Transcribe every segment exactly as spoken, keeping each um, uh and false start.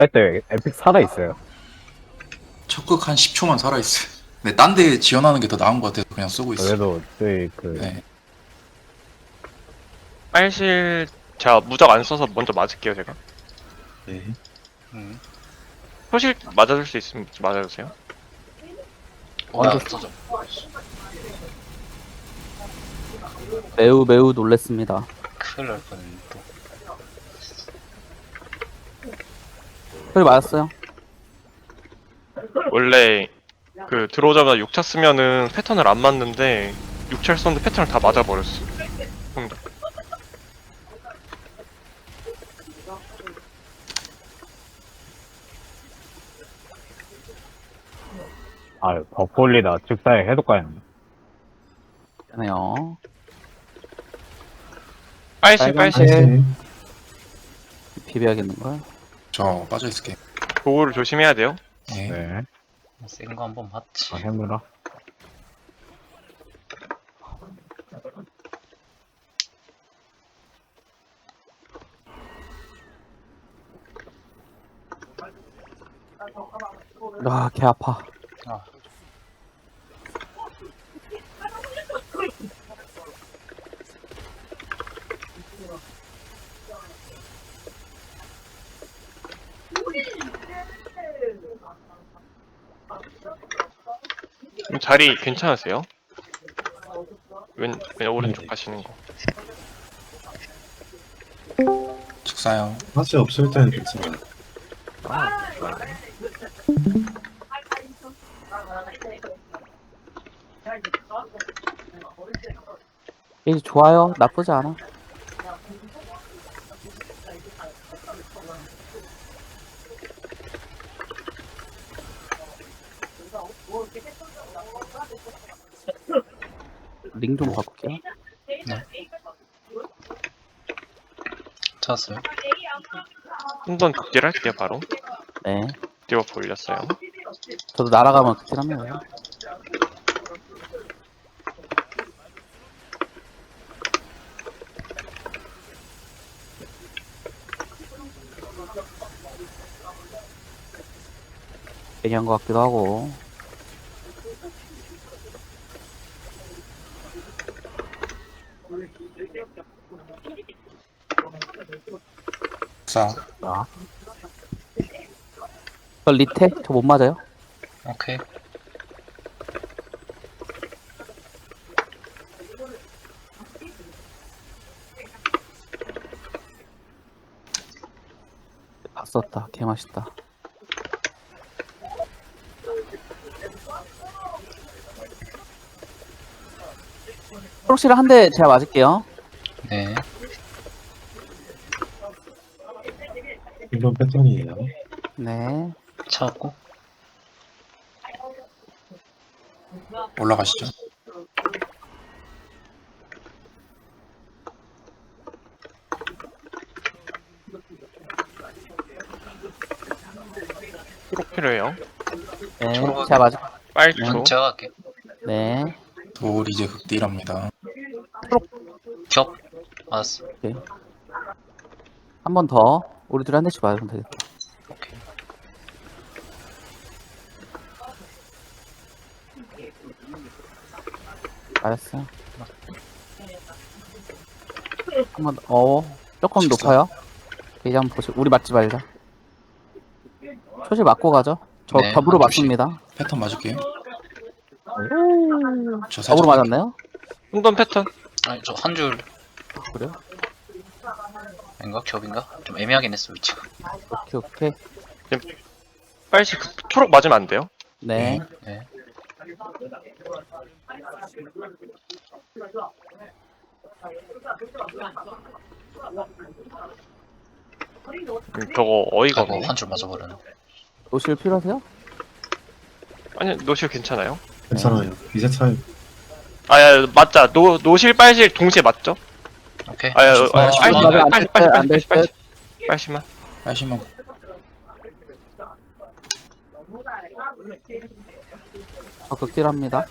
때 에픽 살아있어요. 적극 한 십 초만 살아있어요. 네, 딴 데 지원하는 게 더 나은 것 같아서 그냥 쓰고 있어요. 그래도 저희 그 네. 빨실 제가 무적 안 써서 먼저 맞을게요 제가. 네. 음. 소실 맞아줄 수 있으면 맞아주세요. 어, 나안 써져. 매우 매우 놀랬습니다. 큰일 날 뻔했네 또. 소리 맞았어요? 원래 그 들어오자마자 육 차 쓰면은 패턴을 안 맞는데 육 차를 썼는데 패턴을 다 맞아버렸어. 형들. 아 버폴리다 즉사에 해독가였네. 미안해요. 빨실 빨간 빨실 네. 비벼야겠는걸? 저 빠져있을게요. 도구를 조심해야 돼요. 네. 네. 센 거 한번 봤지. 아 해무라. 아, 개 아파. 아, 좀 자리 괜찮으세요? 왼, 왼 오른쪽 네네. 가시는 거. 즉사요. 맛이 없을 때는 괜찮아요. 이제 좋아요. 나쁘지 않아. 링 좀 바꿀게요. 찾았어요. 한번 극딜 할게요 바로. 네. 디버프 올렸어요. 저도 날아가면 극딜합니다. 괜히 한 것 같기도 하고. 즉사. 저 리테? 저 못 맞아요? 오케이. 봤었다. 개 맛있다. 프록시를 한 대 제가 맞을게요. 네. 이번 패턴이에요. 네. 찾았고. 올라가시죠. 초록 필요해요. 네. 초록하게. 제가 맞을. 빨초. 음, 제가 갈게요. 네. 돌 이제 극딜합니다. 겹. 맞았어. 한 번 더. 우리 둘이 한 대씩 맞으면 되겠다. 오케이. 알았어요. 한 번, 어, 조금 높아요. 이제 한번 보시, 우리 맞지 말자. 초실 맞고 가죠. 저 네, 더불어 한 조씩. 맞습니다. 패턴 맞을게요. 저 더불어 살짝 맞았나요? 한번 패턴. 아니, 저 한 줄. 그래요? 인가? 겹인가? 좀 애매하긴 했어, 위치가. 오케이, 오케이. 빨실 그, 초록 맞으면 안 돼요. 네. 네. 음, 저거 어이가 아이고, 없네. 한 줄 맞아버렸네. 노실 필요하세요? 아니 노실 괜찮아요. 괜찮아요. 이제 차이. 아야 맞자. 노 노실 빨실 동시에 맞죠? 오케이. 아야 줄- 아, 줄- 빨실 맞아, 안 빨실 될 빨실 듯, 안될 빨실 빨실 듯. 빨실만. 빨시만. 저 극딜합니다.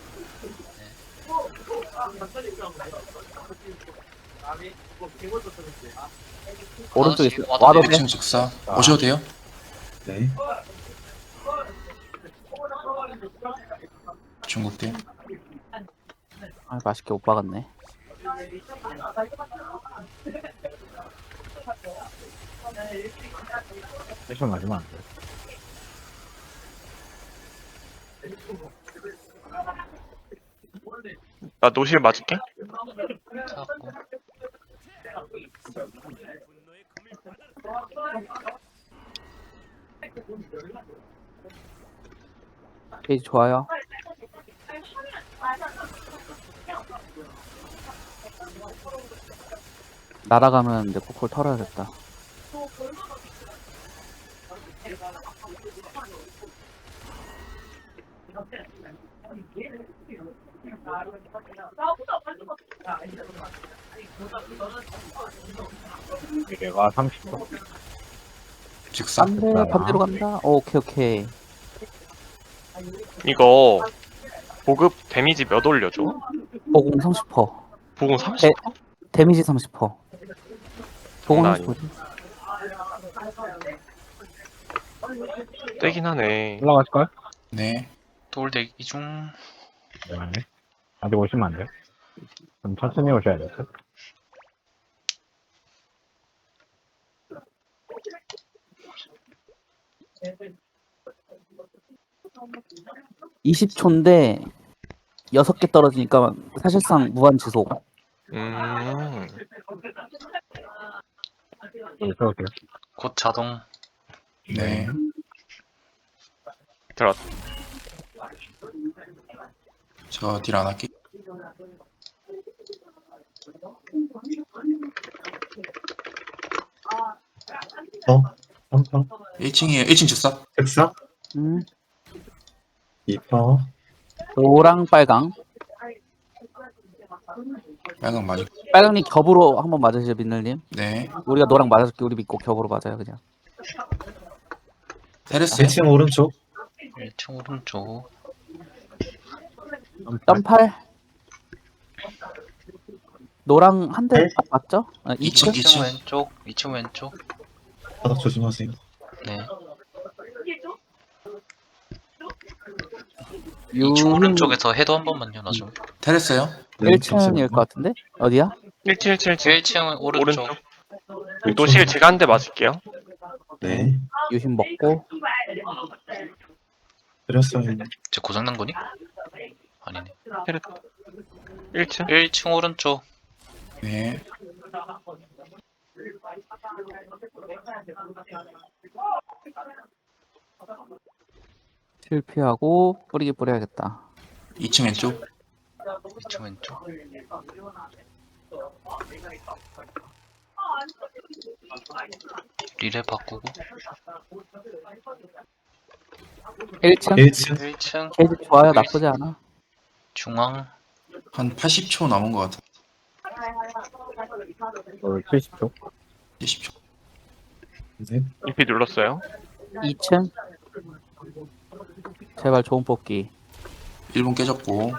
오른쪽에 있어. 와도 와도 돼. 돼. 일 층 즉사. 오셔도 돼요. 네. 중국대. 아, 맛있게 못 박았네. 패션 맞으면 안 돼. 나 노실 맞을게. 사고. 페이지 좋아요. 날아가면 내 코콜 털어야겠다. 얘가 삼십 초. 직사. 안돼, 아. 반대로 간다. 오, 오케이 오케이. 이거 보급 데미지 몇 올려줘? 보공 삼십 퍼센트. 보공 삼십 퍼센트? 데미지 삼십 퍼센트. 보공 장난 삼십 퍼센트. 떼긴 하네. 올라가실까요? 네. 돌 대기 중. 네. 아직 오시면 안 돼요. 좀 천천히 오셔야 돼요. 이십 초인데 여섯 개 떨어지니까 사실상 무한 지속. 음. 여기 세우세요. 곧 자동. 네. 들어. 저 딜 안 할게. 어? 삼 퍼? 일 층이에요. 일 층 즉사. 색사? 음. 이 퍼? 노랑 빨강. 빨강 맞을. 빨강님 겹으로 한번 맞으시죠, 민늘님. 네. 우리가 노랑 맞아줄게. 우리 믿고 겹으로 맞아요, 그냥. 테레스. 일 층 오른쪽. 일 층 오른쪽. 점팔. 노랑 한 대 네? 맞죠? 아, 이 층, 이 층? 이 이 층 층. 왼쪽. 이 층 왼쪽. 바닥 조심하세요. 네. 유... 이 층 오른쪽에서 해도 한 번만요, 나 좀. 테레스요. 네, 일 층일 것 같은데? 어디야? 일 층, 일 층, 일 층. 일 층 오른쪽. 오른쪽. 노실 제가 한 대 맞을게요. 네. 유심 먹고. 드렸어요. 제 고장난 거니? 아니네. 일 층. 일 층 오른쪽. 네. 실패하고 뿌리기 뿌려야겠다. 이 층 왼쪽. 이 층 왼쪽. 리레 바꾸고. 일 층? 일 층. 일 층 케이지 좋아요. 나쁘지 않아. 중앙. 한 팔십 초 남은 것 같아. 어, 칠십 초. 이십 초. 네. 이피 눌렀어요. 이 층. 제발 좋은 뽑기. 일 분 깨졌고.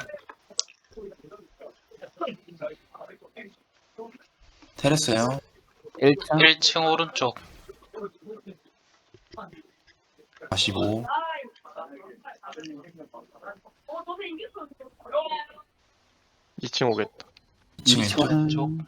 테레스요. 일 층. 일 층 오른쪽. 사십오. 이 층 오겠다. 이 층 이 층 왼쪽. 왼쪽.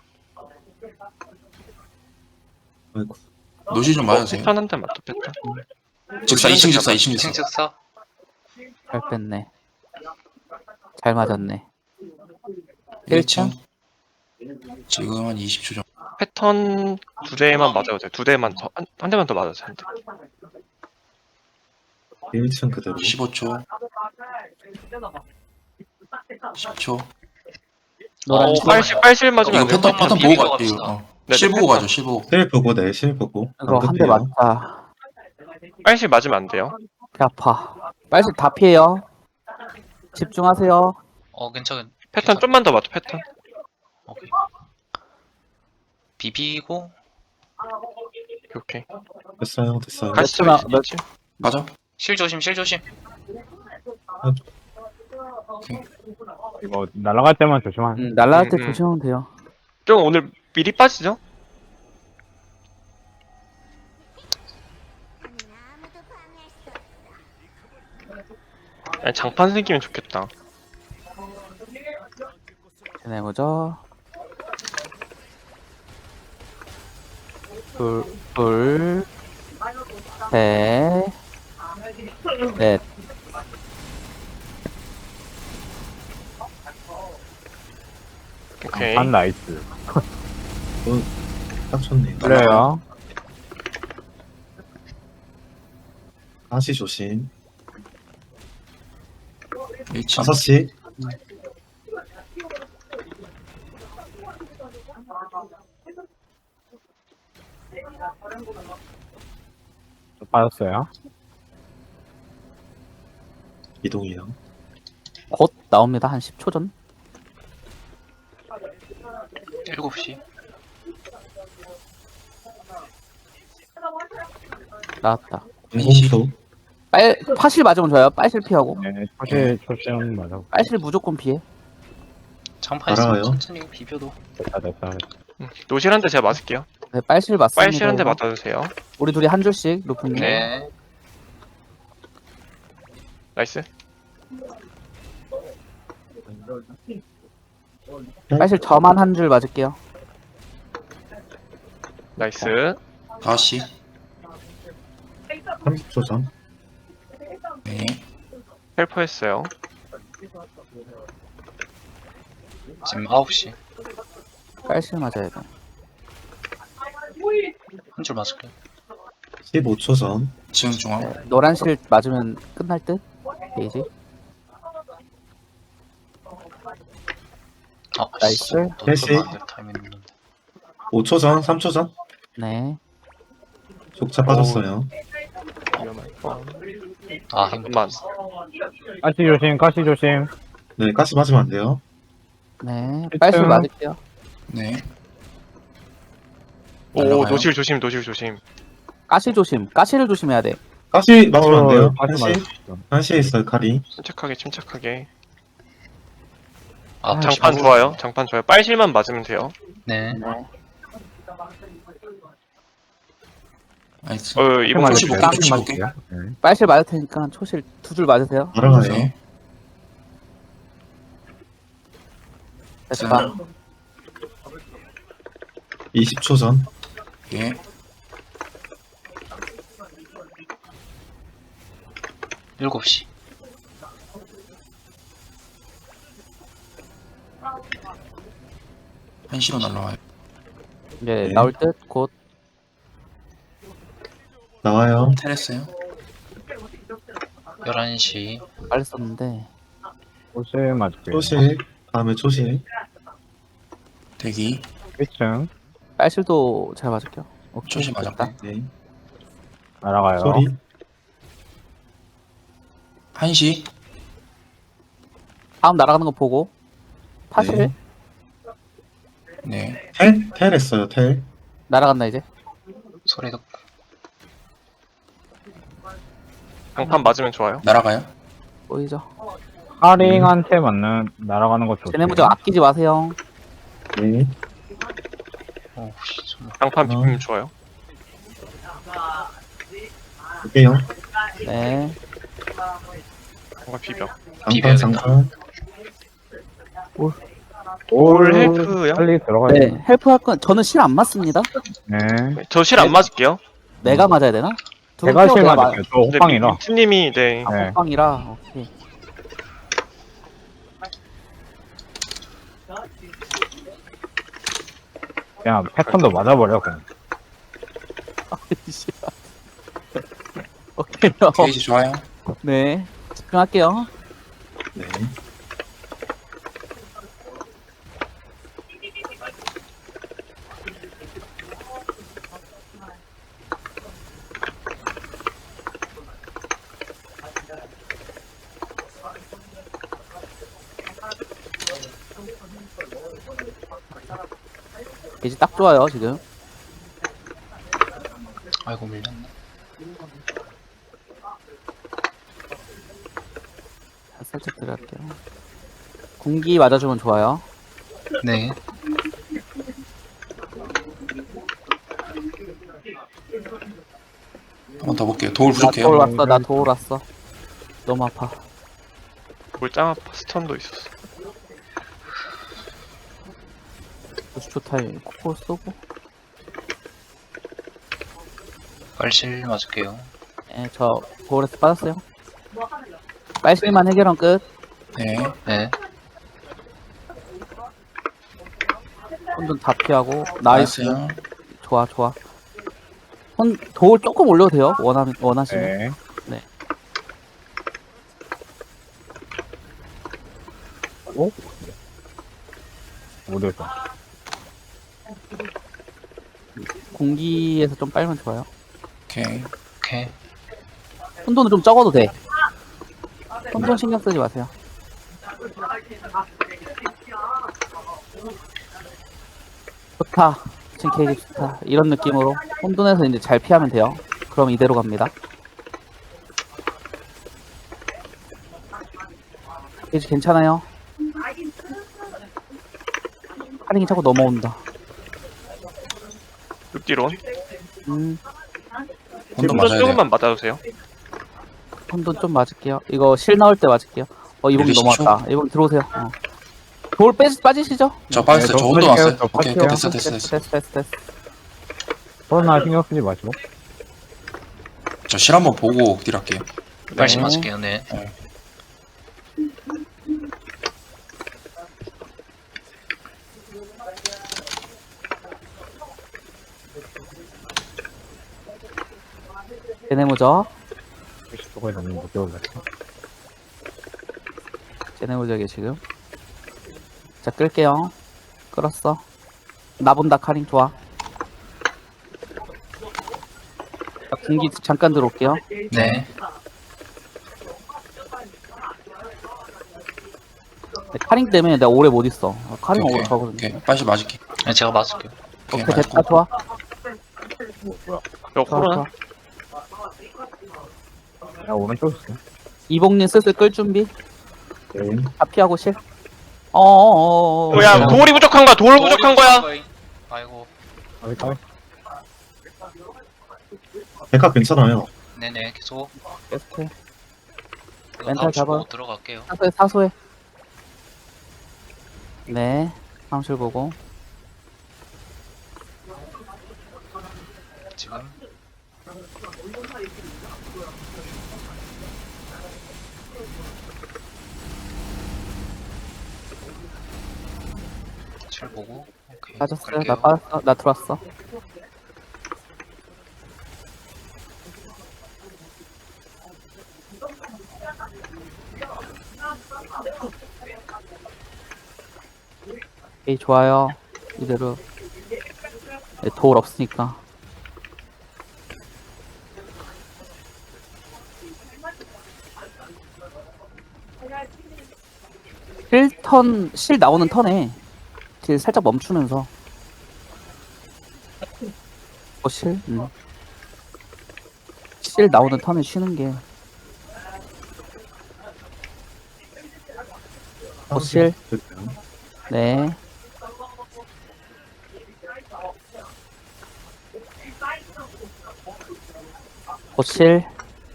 아이고. 노실 좀 맞으세요. 패턴 한 대 맞다, 패턴. 즉사 이 층 즉사 이 층 이 층 즉사. 즉사. 잘 뺐네. 잘 맞았네. 일 층. 지금 한 이십 초 정도. 패턴 두 대만 맞아도 돼. 두 대만 더, 한, 한 대만 더 맞아도 돼. 한 대. 일 층 그대로. 십오 초. 십 초. 노란 어, 층. 빨실, 빨실 맞으면 이거 안 돼. 패턴 패턴 비비고 보고 가. 갑시다. 이거 어. 네, 실 네, 보고 패턴. 가죠. 실 보고. 실 보고 네, 실 보고. 이거 한 대 급해요. 맞다. 빨실 맞으면 안 돼요. 배 아파. 빨리 다 피해요. 집중하세요. 어 괜찮은. 패턴 좀만 더 맞죠, 패턴. 오케이. 비비고. 오케이. 됐어요. 됐어요. 가시죠, 몇 이 층. 가죠. 실 조심, 실 조심. 이거 날아갈 때만 조심하세요. 음, 날라갈 때 음, 음. 조심하면 돼요. 좀 오늘 미리 빠지죠? 아니, 장판 생기면 좋겠다. 쟤네 뭐죠? 둘, 둘, 셋, 넷. 오케이. 한 나이스. 딱 좋네요. 그래요. 다시 조심. 일 층. 다섯 시. 빠졌어요. 이동이요. 곧 나옵니다. 한 십 초 전. 일곱 시. 나왔다. 인공수. 빨, 파실 맞으면 좋아요. 빨실 피하고. 네, 초실, 초실 맞아. 빨실 무조건 피해. 장판 있으면 알아요. 천천히 비벼도. 됐다, 됐다. 음, 노실한테 제가 맞을게요. 네, 빨실 맞습니다. 빨실한테 이거. 맞아주세요. 우리 둘이 한 줄씩, 루프님. 네. 나이스. 빨실 저만 한 줄 맞을게요. 나이스. 다시. 삼십 초 전. 네. 헬퍼 했어요. 지금 아홉 시. 빨실 맞아야 돼. 한 줄 맞을게요. 십오 초 전. 지금 중앙. 네, 노란실 맞으면 끝날 듯? 게이지. 아, 나이스. 씨, 너 셋이. 들어가면 안 돼, 타이밍 있는데. 오 초 전. 삼 초 전. 네. 족차 빠졌어요. 위험할 뻔. 아, 행복. 잠깐만. 가시 조심, 가시 조심. 네, 가시 맞으면 안 돼요. 네. 빨실 일등. 맞을게요. 네. 오, 날라가요? 노실 조심, 노실 조심. 가시 조심. 가시를 조심해야 돼. 가시 맞으면 안 돼요. 가시 한시. 맞았어. 한시에 있어요, 칼이. 침착하게, 침착하게. 아, 장판 십오. 좋아요. 장판 좋아요. 빨실만 맞으면 돼요. 네. 네. 나이스. 어, 이번 가시 거 볼게요, 가시 가시 맞을게요. 네. 빨실 맞을 테니까 초실 두 줄 맞으세요. 알아가요. 네. 됐다. 이십 초 전. 예. 일곱 시. 한시로 날라와요. 이제 네. 나올 듯 곧. 나와요. 테레스요. 열한 시. 빨리 썼는데. 초실 맞을게요. 초실. 다음에 초실. 대기. 일 층 빨실도 잘 맞을게요. 오케이. 초실 됐다. 맞았고. 네. 날아가요. 소리. 한시. 다음 날아가는 거 보고. 파실 네. 네. 텔? 텔 했어요, 텔. 날아간다 이제. 소리 듣고. 장판 맞으면 좋아요. 날아가요. 보이죠? 하링한테 맞는 날아가는 거 좋죠. 쟤네 무적 아끼지 마세요. 네. 오, 씨, 정말. 장판 어. 비비면 좋아요. 볼게요. 네. 뭔가 비벼. 비벼야 장판, 된다. 장판. 올 헬프요? 빨리 들어가야 네. 돼. 헬프 할 건 저는 실 안 맞습니다. 네. 저 실 안 맞을게요. 내가 맞아야 되나? 두 제가 표 실 내가 맞을게요. 저 근데 호빵이라. 민트님이 네. 아, 네. 호빵이라. 오케이. 그냥 패턴도 맞아버려, 그냥. 오케이. 게이지 좋아요. 네. 집중할게요. 네. 이제 딱 좋아요 지금. 아이고, 밀렸네. 자, 살짝 들어갈게요. 공기 맞아주면 좋아요. 네. 한 번 더 볼게요. 도울 나 부족해요. 도울 왔어. 나 도울 왔어. 너무 아파. 돌짱 아파 스턴도 있었어. 구십 초 타임 코코 쏘고. 빨실 맞을게요. 예, 저 보울에서 빠졌어요. 빨실만 해결한 끝. 네. 네. 혼돈 다 피하고. 나이스. 나이스요. 좋아, 좋아. 혼, 도울 조금 올려도 돼요. 원하, 원하시면. 네. 네. 오? 어디였어? 공기에서 좀 빨면 좋아요. 오케이. 오케이. 혼돈은 좀 적어도 돼. 혼돈 신경 쓰지 마세요. 좋다. 지금 케이지 좋다. 이런 느낌으로 혼돈에서 이제 잘 피하면 돼요. 그럼 이대로 갑니다. 케이지 괜찮아요. 카링이 자꾸 넘어온다. 육디론. 음, 혼돈 혼돈 맞아야 돼요. 조금만 맞아주세요. 혼돈 좀 맞을게요. 이거 실 나올 때 맞을게요. 어, 이봉이 일, 이십 초? 넘어왔다. 이봉이 들어오세요. 어. 돌 빼, 빠지시죠? 저 빠졌어요. 네, 저 혼돈 저 왔어요. 저 오케이, 갈게요. 됐어, 됐어, 됐어. 됐어, 됐어, 됐어. 코로나 신경 쓰지 마시고. 저 실 한번 보고 딜할게요. 빨실 네. 맞을게요. 네. 제네모적. 저거에 너무 못 배울래. 제네모적이 지금. 자, 끌게요. 끌었어. 나 본다, 카링 좋아. 자, 군기 잠깐 들어올게요. 네. 네, 카링 때문에 내가 오래 못 있어. 아, 카링 오래 오케이. 가거든요. 오케이. 빨리 맞을게. 네, 제가 맞을게요. 오케이. 오케이, 됐다, 좋아. 저 좋아, 코로나. 좋아. 야, 오른쪽 있어. 이봉님 슬슬 끌 준비. 네. 다 피하고 실. 어어어어. 어, 야, 돌이 부족한 거야. 돌 부족한 거야. 아이고. 가위, 가위. 백화 괜찮아요. 네네. 계속. 계속해. 이거 멘탈 다음 주 잡아. 보고 들어갈게요. 사소해, 사소해. 네. 사무실 보고. 지금. 실 보고. 오케이. 빠졌어요. 갈게요. 나 빠졌어. 나 들어왔어. 오케이, 좋아요. 이대로. 네, 도울 없으니까. 실 턴, 실 나오는 턴에 실 살짝 멈추면서. 어, 실? 음. 실 나오는 턴에 쉬는 게. 어, 실? 됐어요. 네. 고실.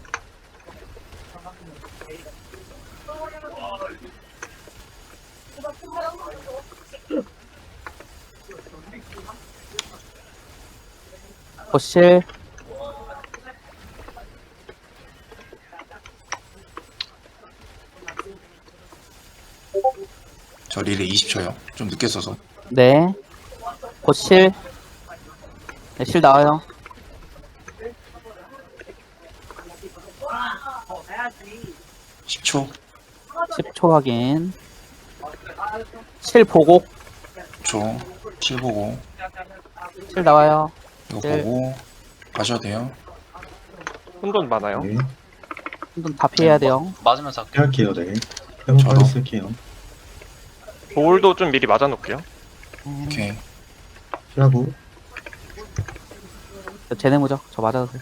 고실. 저 릴레 이십 초요. 좀 늦게 써서. 네. 고실. 네, 실 나와요. 십 초. 십 초 확인. 실 보고. 십 초. 실 보고. 실 나와요. 이거 네. 보고 가셔야 돼요. 혼돈 많아요. 네. 한번 다 피해야 돼요. 맞으면서 할게요. 피할게요. 네. 회복 저도. 빨리 쓸게요. 돌도 좀 미리 맞아놓을게요. 음, 오케이. 피하고. 저 제네모죠. 저 맞아도 돼.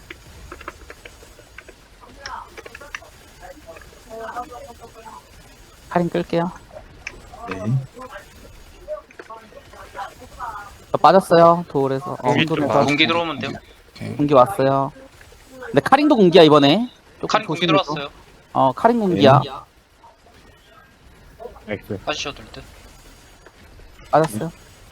할인 끌게요. 네. 저 빠졌어요. 도울에서. 어, 공기 좀 혼돈에서. 봐. 공기 들어오면 돼요. 오케이. 공기 왔어요. 근데 카린도 공기야, 이번에. 조금 카린 공기 조심해서. 들어왔어요. 어, 카린 공기야. X. 빠지셔도 될 듯. 빠졌어요.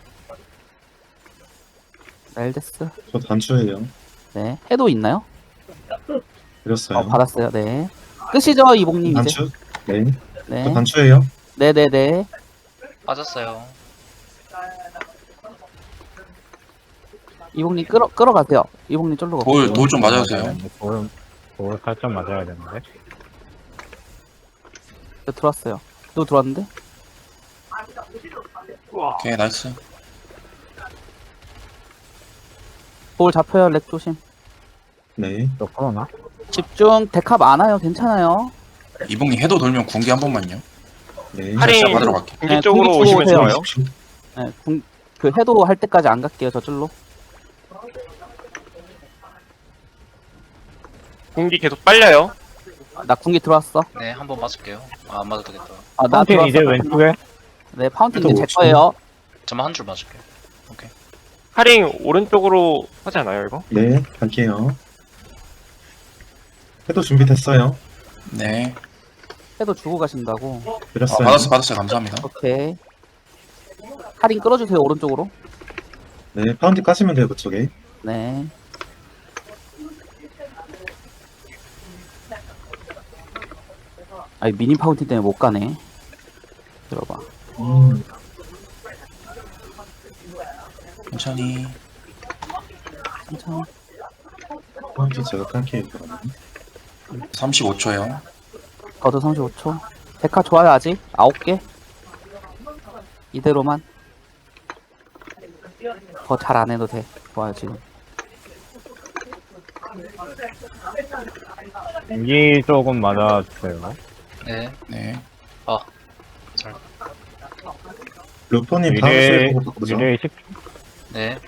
멜데스. 저 단추예요. 네. 해도 있나요? 드렸어요. 어, 받았어요. 네. 끝이죠, 이봉님 이제. 단추? 네. 네. 저 단추예요. 네네네. 빠졌어요. 이봉님 끌어, 끌어가세요. 이봉님 쫄르고. 돌, 돌 좀 맞아주세요. 돌, 돌 살짝 맞아야 되는데. 저 들어왔어요. 또 들어왔는데? 오케이, 나이스. 볼 잡혀요, 렉 조심. 네. 또 코로나? 집중, 데카 많아요. 괜찮아요. 이봉님 해도 돌면 군기 한 번만요. 네. 할인 진짜 받으러 갈게. 공기 네, 쪽으로 공기 오시면 쪽으로 좋아요. 네, 궁, 그 해도 할 때까지 안 갈게요, 저줄로. 공기 계속 빨려요. 나 궁기 들어왔어. 네, 한 번 맞을게요. 아, 안 맞아도 되겠다. 아, 나 파운틴 들어왔어. 이제 왼쪽에? 네, 파운틴 해도 이제 제 오십. 거예요. 저만 한 줄 맞을게요. 할인 오른쪽으로 하지 않아요, 이거? 네. 갈게요. 해도 준비됐어요. 네. 해도 주고 가신다고. 어, 드렸어요. 받았어, 받았어요. 감사합니다. 오케이. 할인 끌어주세요, 오른쪽으로. 네. 파운드 까시면 돼요, 그쪽에. 네. 아니, 미니 파운틴 때문에 못 가네. 들어봐. 음. 천천히. 천천히. 파운드 제가 깔게요, 그러면. 삼십오 초요. 저도 삼십오 초. 데카 좋아요, 아직? 아홉 개? 이대로만. 더 잘 안 해도 돼. 좋아요, 지금. 공기 조금 맞아주세요. 네. 네. 루포님 다음 미래, 시에 보고 바꾸죠. 미래 십 초? 네.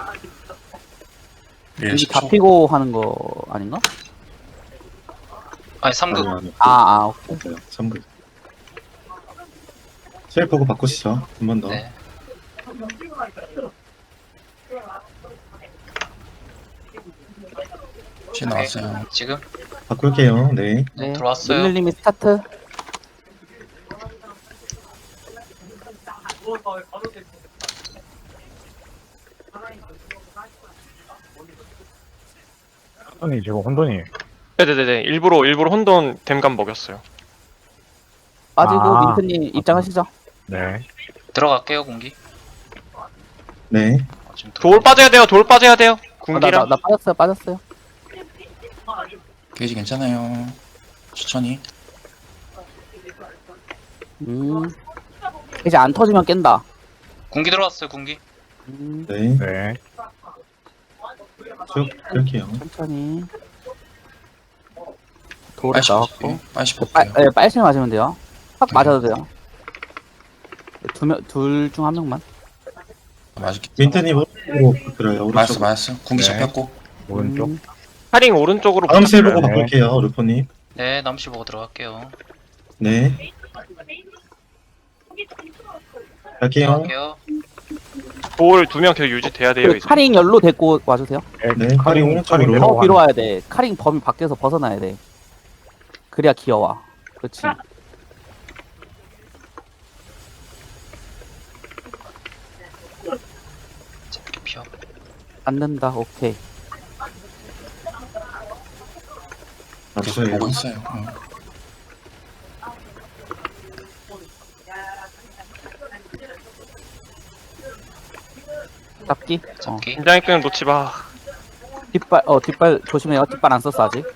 릴 여기 십 다 초. 피고 하는 거 아닌가? 아니, 삼 급. 아니, 아니. 아, 아, 오케이. 맞아요. 삼 급. 실 보고 바꾸시죠. 한 번 더. 네. 시 나왔어요. 지금? 바꿀게요. 네. 네, 들어왔어요. 밀릴님이 스타트. 혼돈이 지금 혼돈이. 네네네. 일부러, 일부러 혼돈 댐감 먹였어요. 빠지고 아. 민트님 입장하시죠. 네. 들어갈게요, 공기. 네. 어, 지금 돌 들어가- 빠져야 돼요, 돌 빠져야 돼요. 어, 나, 나, 군기랑. 나 빠졌어요, 빠졌어요. 게이지 괜찮아요. 천천히. 음. 이제 안 터지면 깬다. 공기 들어왔어요, 공기. 음, 네. 네. 쭉 끌게요. 천천히. 돌에 빨리 나왔고. 빨리 그 빨, 볼게요. 네, 빨실 맞으면 돼요. 확 네. 맞아도 돼요. 두 명, 둘 중 한 명만. 맞을게. 민트님 오른쪽으로 그래요. 맞았어, 오른쪽. 맞았어. 군기 네. 잡혔고. 오른쪽. 음, 할인 오른쪽으로 다음 실 보고 네. 바꿀게요, 루포님. 네, 남씨 보고 들어갈게요. 네. 갈게요. 들어갈게요. 돌 두 명 계속 유지돼야 돼요, 그 이제. 카링 열로 데리고 와주세요. 네, 카링, 카링 오른쪽으로. 카링 더 내려가는 뒤로 와야 돼. 카링 범위 밖에서 벗어나야 돼. 그래야 귀여워. 그렇지. 잡기 피어. 안 된다. 오케이. 계속 맞춰요. 보고 있어요. 응. 잡기. 어. 잡기. 긴장의 끈을 놓지 마. 뒷발, 어, 뒷발 조심해요. 뒷발 안 썼어, 아직.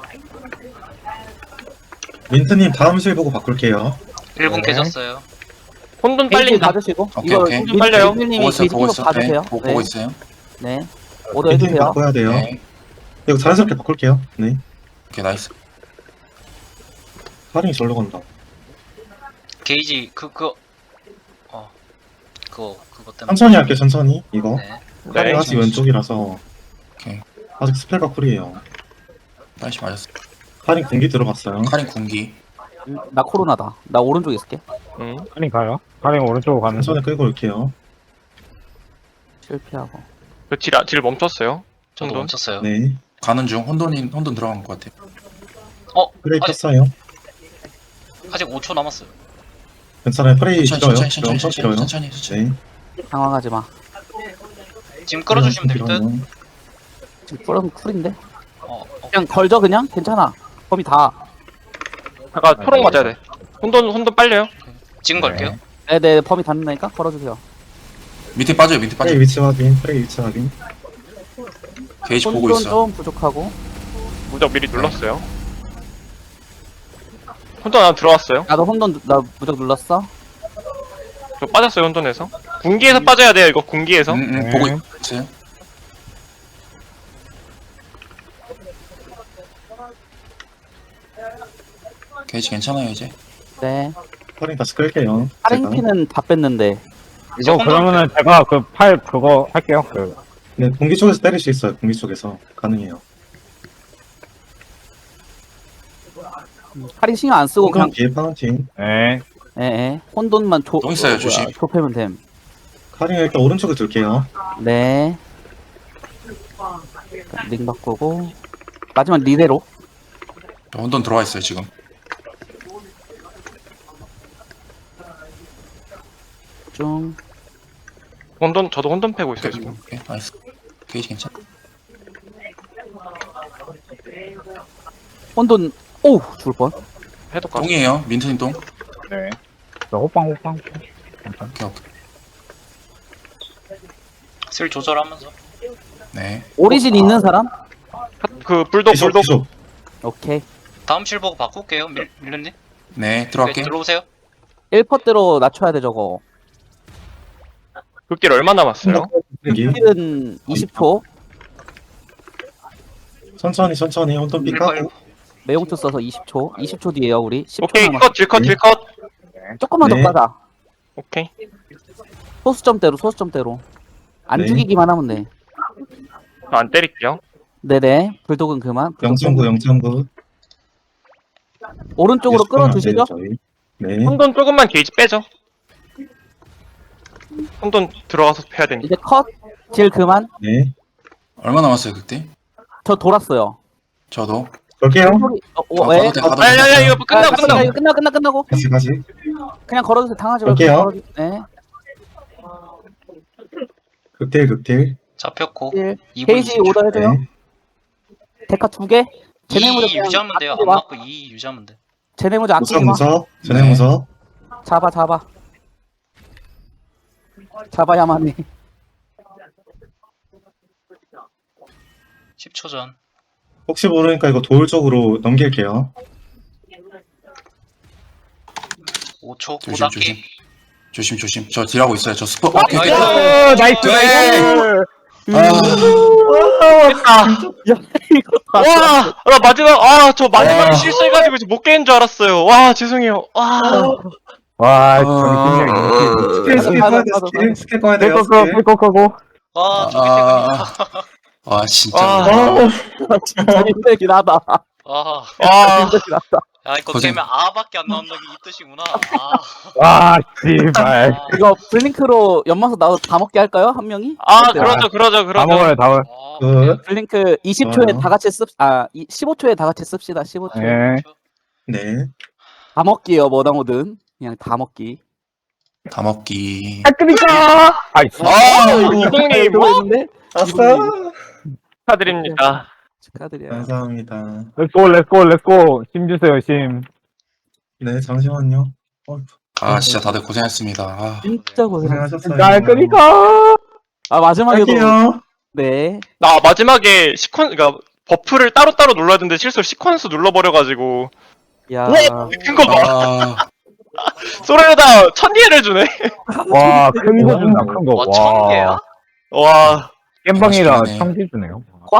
민트님 다음 실 보고 바꿀게요. 일 분 네. 깨졌어요. 혼돈 게이지 빨린다. 봐주시고. 오케이, 이거 오케이. 민- 빨려요. 민트님이 보고 있어요, 게이지 보고 계속 있어요. 봐주세요. 네, 보고, 네. 보고 있어요. 네. 오더 민트님 해주세요. 바꿔야 돼요. 네. 이거 자연스럽게 바꿀게요. 네. 오케이, 나이스. 카링이 절로 간다. 게이지, 그, 그거. 어. 그거, 그거 때문에. 천천히 할게요, 천천히. 이거. 네. 카링 네. 아직 왼쪽이라서. 오케이. 아직 스펠가 쿨이에요. 빨리 맞았어. 카링 공기 들어갔어요. 카린 군기. 음, 나 코로나다. 나 오른쪽에 있을게. 응. 카링 가요? 카링 오른쪽으로 가는 천천히 끌고 올게요. 실패하고. 그 질, 질 멈췄어요. 저도 혼돈. 멈췄어요. 네. 가는 중. 혼돈이, 혼돈 들어간 것 같아요. 어, 브레이크 아니, 켰어요. 아직 오 초 남았어요. 괜찮아요. 프레이 천천히 길어요. 천천히 엄청 천천히 길어요. 천천히 천천히. 네. 당황하지 마. 지금 끌어주시면 될 듯. 길어요. 지금 뿌려면 쿨인데. 어, 어. 그냥 걸죠 그냥? 괜찮아. 범위 다. 잠깐 초록 맞아야 돼. 혼돈 혼돈 빨려요. 지금 걸게요. 네네 범위 닿는다니까 걸어주세요. 밑에 빠져요 밑에 빠져. 프레이 위치 확인. 프레이 위치 확인. 게이지 보고 혼돈 있어. 좀 부족하고. 무적 미리 눌렀어요. 혼돈 안 들어왔어요. 나도 혼돈 누- 나 무적 눌렀어. 저 빠졌어요 혼돈에서. 군기에서 빠져야 돼요 이거 군기에서. 응, 응, 네. 보고 있어요. 게이지 괜찮아요 이제. 네. 스파링 다시 끌게요. 제가. 파랭피는 다 뺐는데. 이제 이거 혼돈 그러면은 제가 그 팔 그거 할게요. 그 네, 공기 쪽에서 때릴 수 있어요. 공기 쪽에서 가능해요. 파링 신경 안 쓰고 그냥 공간 뒤에 파운틴. 네. 예, 예. 혼돈만 조, 또 있어요, 어, 뭐야, 조심. 좁히면 됨. 카링 일단 오른쪽에 둘게요. 네. 링 바꾸고. 마지막 리레로. 혼돈 들어와 있어요 지금. 쭉. 혼돈 저도 혼돈 패고 있어요 지금. 오케이 나이스. 게이지 괜찮. 혼돈, 오우, 죽을 뻔. 해독가. 똥이에요 민트님 똥. 네. 저 호빵 호빵. 괜찮아. 오케이 오케이. 슬 조절하면서. 네. 오리진 있는 사람? 그 불독 비숍, 불독. 비숍. 오케이. 다음 실 보고 바꿀게요. 밀 밀련님. 네 네, 들어갈게요. 들어오세요. 일 퍼대로 낮춰야 돼, 저거. 극딜 얼마 남았어요? 여기. 힐은 이십 초. 천천히 천천히 혼돈 삐 까고. 빨리. 매용투 써서 이십 초. 이십 초 뒤에요, 우리. 십 초 오케이 남았어. 컷 딜컷 딜컷. 조금만 네. 더 까자. 오케이. 소수점대로, 소수점대로. 안 네. 죽이기만 하면 돼. 저 안 때릴게요. 네네. 불독은 그만. 불독 영 점 구, 영 점 구. 오른쪽으로 끌어주시죠. 네. 혼돈 조금만 게이지 빼죠. 혼돈 들어가서 패야 되니까. 이제 컷. 딜 그만. 네. 얼마 남았어요 그때? 저 돌았어요. 저도. 걸게요. 소리- 어, 어, 아, 왜? 가도 돼, 가도 돼. 야야야 이거 끝나고 아, 끝나고. 이거 끝나, 끝나, 끝나고. 다시 다시. 그냥 걸어주세요. 당하지 말고. 갈게요. 걸어주- 네. 극딜 극딜. 잡혔고. 딜. 이 분 게이지 이십 초. 오더 해줘요. 네. 데카 두 개. 쟤네 무적 이 그냥 유지하면 돼요. 아끼지 안 마. 맞고 이 유지하면 돼. 쟤네 무적 무서 아끼지 마. 무서. 전에 네. 무서. 잡아, 잡아. 잡아야만 해. 십 초 전. 혹시 모르니까 이거 도울 쪽으로 넘길게요. 오 초. 조심 고닫기. 조심. 조심 조심. 저 딜하고 있어요. 저 스포. 아, 오케이 오케이. 어, 나이스 네. 나이스. 아, 됐다. 이거 다. 와, 나 마지막, 아, 저 마지막에 와. 실수해가지고 이제 못 깨는 줄 알았어요. 와, 죄송해요. 와. 와, 아. 정신력이. 스킬 스킬 맞아, 꺼야 돼. 맞아, 스킬 스킬 꺼야 돼요. 끄고 스킬. 끄고 끄고. 아, 저기 아, 때문이다. 아 진짜. 아. 진짜 힘들긴 하다. 아, 와. 힘들긴 하다. 야, 이거 고생. 깨면 아밖에 안 나온다는 게 이 뜻이구나. 아, 와, 씨발. 아, 이거 블링크로 연마석 나도 다 먹게 할까요? 한 명이? 아, 그러죠, 그러죠, 다 그러죠. 먹어요, 다 먹어요. 아, 그, 블링크 이십 초에 좋아요. 다 같이 씁, 아, 이- 십오 초에 다 같이 씁시다. 십오 초. 예. 네. 다 먹기요, 뭐다 뭐든. 그냥 다 먹기. 다 먹기. 아닙니까? 아이씨. 아, 이동님, 뭐? 했는데 아싸. 축하드립니다. 축하드려요. 감사합니다. 렛츠고, 렛츠고, 렛츠고. 심 주세요, 심. 네, 잠시만요. 어, 아 진짜 다들 고생했습니다. 아, 진짜 고생하셨어요. 고생하셨어요. 날 끄니까. 아, 마지막에도. 할게요. 네. 나 마지막에 시퀀, 그니까, 버프를 따로따로 눌러야 되는데 실수로 시퀀스 눌러버려가지고. 야. 우와! 큰 거 봐. 아, 소리에다 천리를 주네. 와, 큰 거 준다, 큰 거. 와, 천 개야? 와. 겜방이라 맛있겠네. 청지 주네요.